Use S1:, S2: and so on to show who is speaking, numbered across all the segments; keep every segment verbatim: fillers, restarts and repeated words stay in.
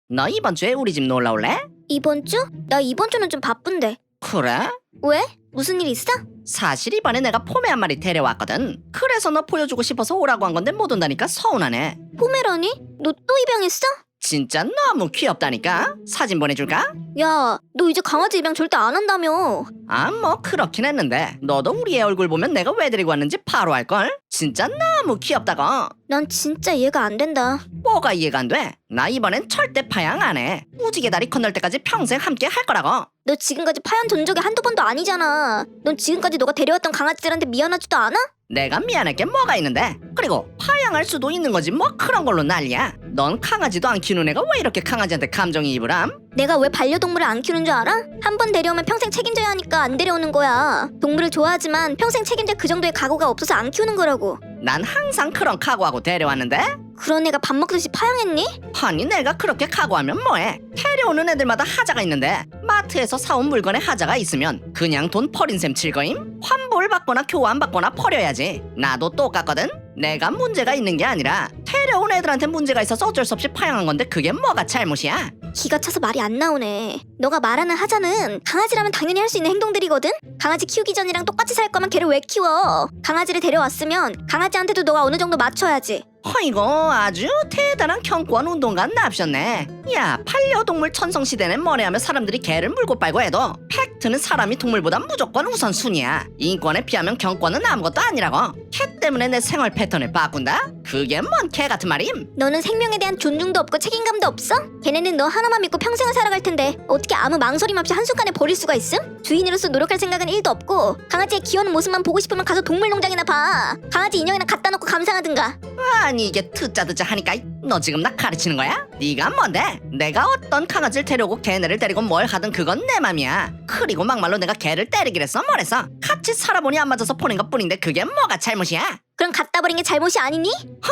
S1: 너 이번 주에 우리 집 놀러 올래?
S2: 이번 주? 나 이번 주는 좀 바쁜데.
S1: 그래?
S2: 왜? 무슨 일 있어?
S1: 사실 이번에 내가 포메 한 마리 데려왔거든. 그래서 너 보여주고 싶어서 오라고 한 건데 못 온다니까 서운하네.
S2: 포메라니? 너 또 입양했어?
S1: 진짜 너무 귀엽다니까. 사진 보내줄까?
S2: 야, 너 이제 강아지 입양 절대 안 한다며.
S1: 아 뭐 그렇긴 했는데 너도 우리 애 얼굴 보면 내가 왜 데리고 왔는지 바로 알걸? 진짜 너무 귀엽다고.
S2: 난 진짜 이해가 안 된다.
S1: 뭐가 이해가 안 돼? 나 이번엔 절대 파양 안 해. 무지개 다리 건널 때까지 평생 함께 할 거라고.
S2: 너 지금까지 파연 돈 적이 한두 번도 아니잖아. 넌 지금까지 너가 데려왔던 강아지들한테 미안하지도 않아?
S1: 내가 미안할 게 뭐가 있는데. 그리고 파양할 수도 있는 거지 뭐 그런 걸로 난리야. 넌 강아지도 안 키우는 애가 왜 이렇게 강아지한테 감정이입을 함?
S2: 내가 왜 반려동물을 안 키우는 줄 알아? 한 번 데려오면 평생 책임져야 하니까 안 데려오는 거야. 동물을 좋아하지만 평생 책임질 그 정도의 각오가 없어서 안 키우는 거라고.
S1: 난 항상 그런 각오하고 데려왔는데.
S2: 그런 애가 밥 먹듯이 파양했니?
S1: 아니 내가 그렇게 각오하면 뭐해. 데려오는 애들마다 하자가 있는데 마트에서 사온 물건에 하자가 있으면 그냥 돈 버린 셈 칠거임? 환불 받거나 교환 받거나 버려야지. 나도 똑같거든. 내가 문제가 있는 게 아니라 데려온 애들한테 문제가 있어서 어쩔 수 없이 파양한 건데 그게 뭐가 잘못이야?
S2: 기가 차서 말이 안 나오네. 너가 말하는 하자는 강아지라면 당연히 할 수 있는 행동들이거든? 강아지 키우기 전이랑 똑같이 살 거면 걔를 왜 키워? 강아지를 데려왔으면 강아지한테도 너가 어느 정도 맞춰야지.
S1: 어이구 아주 대단한 경권 운동가 납셨네. 야 반려동물 천성시대는 뭐래하며 사람들이 개를 물고 빨고 해도 팩트는 사람이 동물보다 무조건 우선순위야. 인권에 비하면 경권은 아무것도 아니라고. 개 때문에 내 생활 패턴을 바꾼다? 그게 뭔 개 같은 말임?
S2: 너는 생명에 대한 존중도 없고 책임감도 없어? 걔네는 너 하나만 믿고 평생을 살아갈 텐데 어떻게 아무 망설임 없이 한순간에 버릴 수가 있음? 주인으로서 노력할 생각은 일도 없고 강아지의 귀여운 모습만 보고 싶으면 가서 동물농장이나 봐. 강아지 인형이나 갖다 놓고 감상하든가.
S1: 아니 이게 듣자 듣자 하니까 너 지금 나 가르치는 거야? 네가 뭔데? 내가 어떤 강아지를 데려오고 걔네를 데리고 뭘 하든 그건 내 맘이야. 그리고 막말로 내가 걔를 때리기랬어 뭐랬어? 같이 살아보니 안 맞아서 보낸 것뿐인데 그게 뭐가 잘못이야?
S2: 그럼 갖다 버린 게 잘못이 아니니?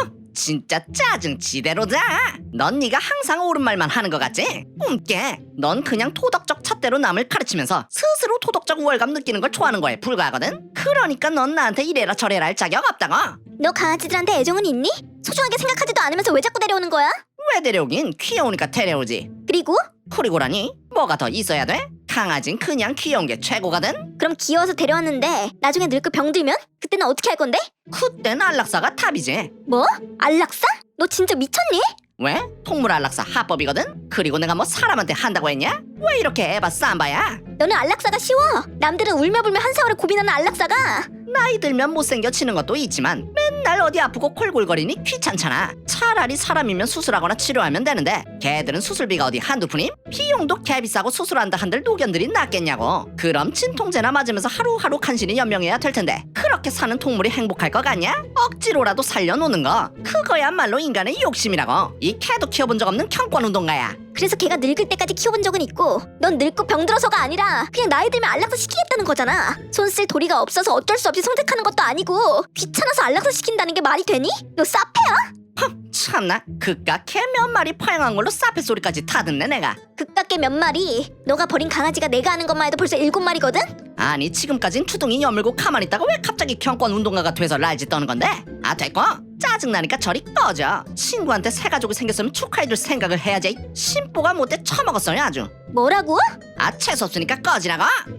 S1: 진짜 짜증 지대로다. 넌 네가 항상 옳은 말만 하는 것 같지? 꿈깨. 넌 그냥 토덕적 잣대로 남을 가르치면서 스스로 토덕적 우월감 느끼는 걸 좋아하는 거에 불과하거든? 그러니까 넌 나한테 이래라 저래라 할 자격 없다고.
S2: 너 강아지들한테 애정은 있니? 소중하게 생각하지도 않으면서 왜 자꾸 데려오는 거야?
S1: 왜 데려오긴 귀여우니까 데려오지.
S2: 그리고?
S1: 그리고라니 뭐가 더 있어야 돼? 강아진 그냥 귀여운 게 최고거든?
S2: 그럼 귀여워서 데려왔는데 나중에 늙고 병들면? 그때는 어떻게 할 건데?
S1: 그땐 안락사가 답이지.
S2: 뭐? 안락사? 너 진짜 미쳤니?
S1: 왜? 동물 안락사 합법이거든? 그리고 내가 뭐 사람한테 한다고 했냐? 왜 이렇게 에바 쌈바야?
S2: 너는 안락사가 쉬워. 남들은 울며불며 한 세월을 고민하는 안락사가.
S1: 나이 들면 못생겨지는 것도 있지만 맨날 어디 아프고 콜골거리니 귀찮잖아. 차라리 사람이면 수술하거나 치료하면 되는데 걔들은 수술비가 어디 한두 푼임? 비용도 개비싸고 수술한다 한들 노견들이 낫겠냐고. 그럼 진통제나 맞으면서 하루하루 간신히 연명해야 될 텐데 그렇게 사는 동물이 행복할 것 같냐? 억지로라도 살려놓는 거 그거야말로 인간의 욕심이라고. 이 개도 키워본 적 없는 경권운동가야.
S2: 그래서 걔가 늙을 때까지 키워본 적은 있고 넌 늙고 병들어서가 아니라 그냥 나이 들면 안락사 시키겠다는 거잖아. 손 쓸 도리가 없어서 어쩔 수 없이 선택하는 것도 아니고 귀찮아서 안락사 시킨다는 게 말이 되니? 너 싸패야?
S1: 참나 그깟 개 몇 마리 파양한 걸로 사페 소리까지 타듣네 내가.
S2: 그깟게 몇 마리? 너가 버린 강아지가 내가 아는 것만 해도 벌써 일곱 마리거든?
S1: 아니 지금까진 투둥이 여물고 가만히 있다가 왜 갑자기 경권 운동가가 돼서 랄짓 떠는 건데? 아 됐고 짜증나니까 저리 꺼져. 친구한테 새 가족이 생겼으면 축하해줄 생각을 해야지. 심보가 못돼 처먹었어요 아주.
S2: 뭐라고?
S1: 아 재수없으니까 꺼지라고.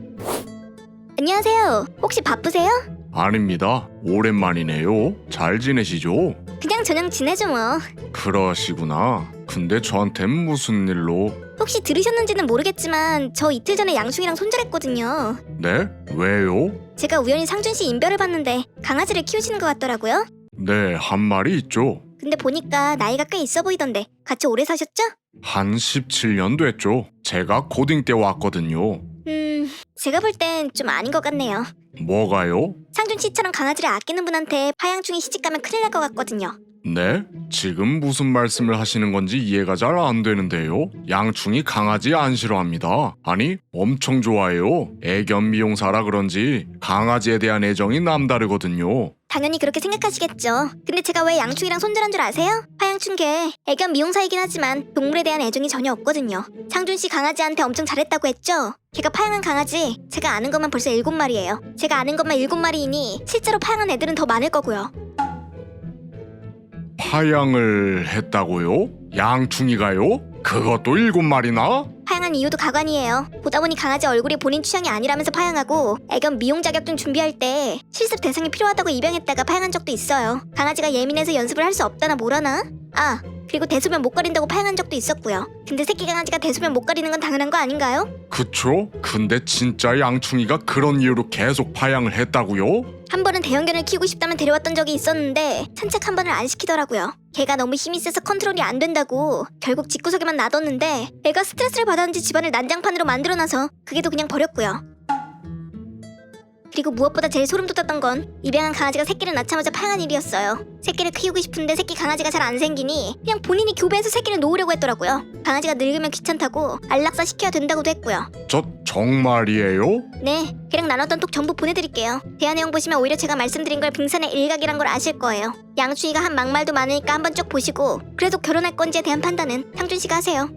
S2: 안녕하세요. 혹시 바쁘세요?
S3: 아닙니다. 오랜만이네요. 잘 지내시죠?
S2: 그냥 저냥 지내죠 뭐.
S3: 그러시구나. 근데 저한텐 무슨 일로?
S2: 혹시 들으셨는지는 모르겠지만 저 이틀 전에 양충이랑 손절했거든요.
S3: 네? 왜요?
S2: 제가 우연히 상준 씨 인별을 봤는데 강아지를 키우시는 것 같더라고요.
S3: 네, 한 마리 있죠.
S2: 근데 보니까 나이가 꽤 있어 보이던데 같이 오래 사셨죠?
S3: 한 십칠 년 됐죠. 제가 고딩 때 왔거든요.
S2: 음... 제가 볼 땐 좀 아닌 것 같네요.
S3: 뭐가요?
S2: 상준 씨처럼 강아지를 아끼는 분한테 파양충이 시집가면 큰일 날 것 같거든요.
S3: 네? 지금 무슨 말씀을 하시는 건지 이해가 잘 안 되는데요. 양충이 강아지 안 싫어합니다. 아니, 엄청 좋아해요. 애견 미용사라 그런지 강아지에 대한 애정이 남다르거든요.
S2: 당연히 그렇게 생각하시겠죠. 근데 제가 왜 양충이랑 손절한 줄 아세요? 파양충계 애견 미용사이긴 하지만 동물에 대한 애정이 전혀 없거든요. 상준 씨 강아지한테 엄청 잘했다고 했죠? 걔가 파양한 강아지 제가 아는 것만 벌써 일곱 마리예요. 제가 아는 것만 일곱 마리이니 실제로 파양한 애들은 더 많을 거고요.
S3: 파양을 했다고요? 양충이가요? 그것도 일곱 마리나?
S2: 파양한 이유도 가관이에요. 보다 보니 강아지 얼굴이 본인 취향이 아니라면서 파양하고 애견 미용 자격증 준비할 때 실습 대상이 필요하다고 입양했다가 파양한 적도 있어요. 강아지가 예민해서 연습을 할 수 없다나 뭐라나? 아, 그리고 대소변 못 가린다고 파양한 적도 있었고요. 근데 새끼 강아지가 대소변 못 가리는 건 당연한 거 아닌가요?
S3: 그쵸? 근데 진짜 양충이가 그런 이유로 계속 파양을 했다고요?
S2: 한 번은 대형견을 키우고 싶다면 데려왔던 적이 있었는데 산책 한 번을 안 시키더라고요. 걔가 너무 힘이 세서 컨트롤이 안 된다고 결국 집구석에만 놔뒀는데 애가 스트레스를 받았는지 집안을 난장판으로 만들어놔서 그게 또 그냥 버렸고요. 그리고 무엇보다 제일 소름 돋았던 건 입양한 강아지가 새끼를 낳자마자 파양한 일이었어요. 새끼를 키우고 싶은데 새끼 강아지가 잘 안 생기니 그냥 본인이 교배해서 새끼를 놓으려고 했더라고요. 강아지가 늙으면 귀찮다고 안락사 시켜야 된다고도 했고요.
S3: 저 정말이에요?
S2: 네, 걔랑 나눴던 톡 전부 보내드릴게요. 대화 내용 보시면 오히려 제가 말씀드린 걸 빙산의 일각이란 걸 아실 거예요. 양충이가 한 막말도 많으니까 한번 쭉 보시고 그래도 결혼할 건지에 대한 판단은 상준 씨가 하세요.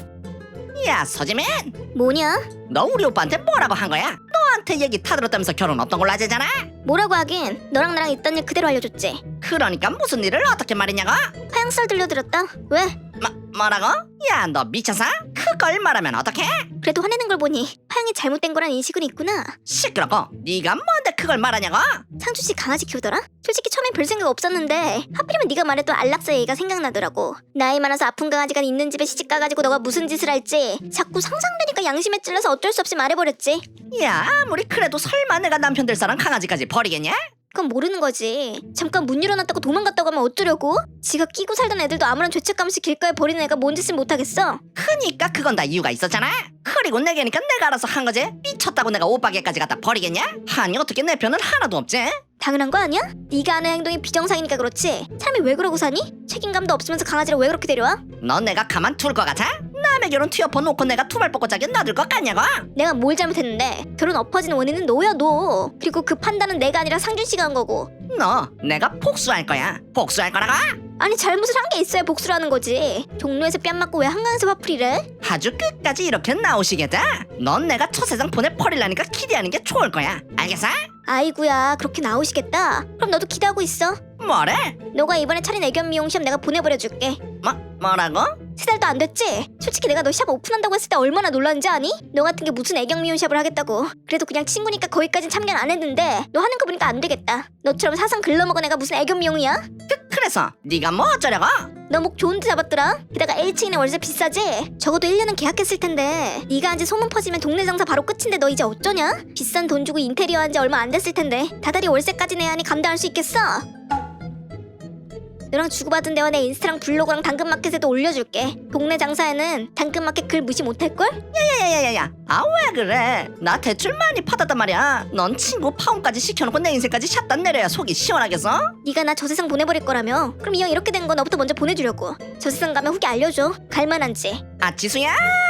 S1: 야 서지민,
S2: 뭐냐?
S1: 너 우리 오빠한테 뭐라고 한 거야? 너한테 얘기 타들었다면서 결혼 없던 걸로 하재잖아.
S2: 뭐라고 하긴 너랑 나랑 있던 일 그대로 알려줬지.
S1: 그러니까 무슨 일을 어떻게 말했냐고?
S2: 파양썰 들려들었다. 왜?
S1: 뭐, 뭐라고? 야 너 미쳤어? 그걸 말하면 어떡해?
S2: 그래도 화내는 걸 보니 파양이 잘못된 거란 인식은 있구나.
S1: 시끄럽고 네가 뭔데 그걸 말하냐고?
S2: 상준 씨 강아지 키우더라? 솔직히 처음엔 별 생각 없었는데 하필이면 네가 말했던 안락사 얘기가 생각나더라고. 나이 많아서 아픈 강아지가 있는 집에 시집 가가지고 너가 무슨 짓을 할지 자꾸 상상되니까 양심에 찔러서 어쩔 수 없이 말해버렸지.
S1: 야 아무리 그래도 설마 내가 남편 될 사람 강아지까지 버리겠냐?
S2: 그건 모르는 거지. 잠깐 문 열어놨다고 도망갔다고 하면 어쩌려고? 지가 끼고 살던 애들도 아무런 죄책감 없이 길가에 버리는 애가 뭔 짓을 못하겠어?
S1: 그니까 그건 다 이유가 있었잖아. 그리고 내게니까 내가 알아서 한 거지. 미쳤다고 내가 오빠게까지 갖다 버리겠냐? 아니 어떻게 내 편은 하나도 없지?
S2: 당연한 거 아니야? 네가 하는 행동이 비정상이니까 그렇지. 사람이 왜 그러고 사니? 책임감도 없으면서 강아지를 왜 그렇게 데려와?
S1: 넌 내가 가만 둘 것 같아? 남의 결혼 티어퍼 놓고 내가 투발 뻗고 자기 놔둘 것 같냐고?
S2: 내가 뭘 잘못했는데? 결혼 엎어진 원인은 너야 너. 그리고 그 판단은 내가 아니라 상준 씨가 한 거고.
S1: 너 내가 복수할 거야. 복수할 거라고?
S2: 아니 잘못을 한 게 있어야 복수를 하는 거지. 종로에서 뺨 맞고 왜 한강에서 화풀이래?
S1: 아주 끝까지 이렇게 나오시겠다. 넌 내가 저 세상 보내버리려니까 기대하는 게 좋을 거야. 알겠어?
S2: 아이구야 그렇게 나오시겠다. 그럼 너도 기대하고 있어.
S1: 뭐래?
S2: 너가 이번에 차린 애견 미용 시험 내가 보내버려줄게.
S1: 뭐, 뭐라고?
S2: 세 달도 안 됐지? 솔직히 내가 너 샵 오픈한다고 했을 때 얼마나 놀랐는지 아니? 너 같은 게 무슨 애견 미용 샵을 하겠다고. 그래도 그냥 친구니까 거기까진 참견 안 했는데 너 하는 거 보니까 안 되겠다. 너처럼 사상 글러먹은 애가 무슨 애견 미용이야?
S1: 그, 그래서 네가 뭐 어쩌려고?
S2: 너 목 좋은 데 잡았더라? 게다가 일 층이네 월세 비싸지? 적어도 일 년은 계약했을 텐데 네가 한지 소문 퍼지면 동네 장사 바로 끝인데 너 이제 어쩌냐? 비싼 돈 주고 인테리어 한지 얼마 안 됐을 텐데 다달이 월세까지 내야 하니 감당할 수 있겠어? 너랑 주고받은 대화 내 인스타랑 블로그랑 당근마켓에도 올려줄게. 동네 장사에는 당근마켓 글 무시 못할걸?
S1: 야야야야야, 아 왜 그래? 나 대출 많이 받았단 말이야. 넌 친구 파혼까지 시켜놓고 내 인생까지 샷단 내려야 속이 시원하겠어?
S2: 네가 나 저 세상 보내버릴 거라며? 그럼 이 형 이렇게 된 거 너부터 먼저 보내주려고. 저 세상 가면 후기 알려줘. 갈만한지.
S1: 아 지수야,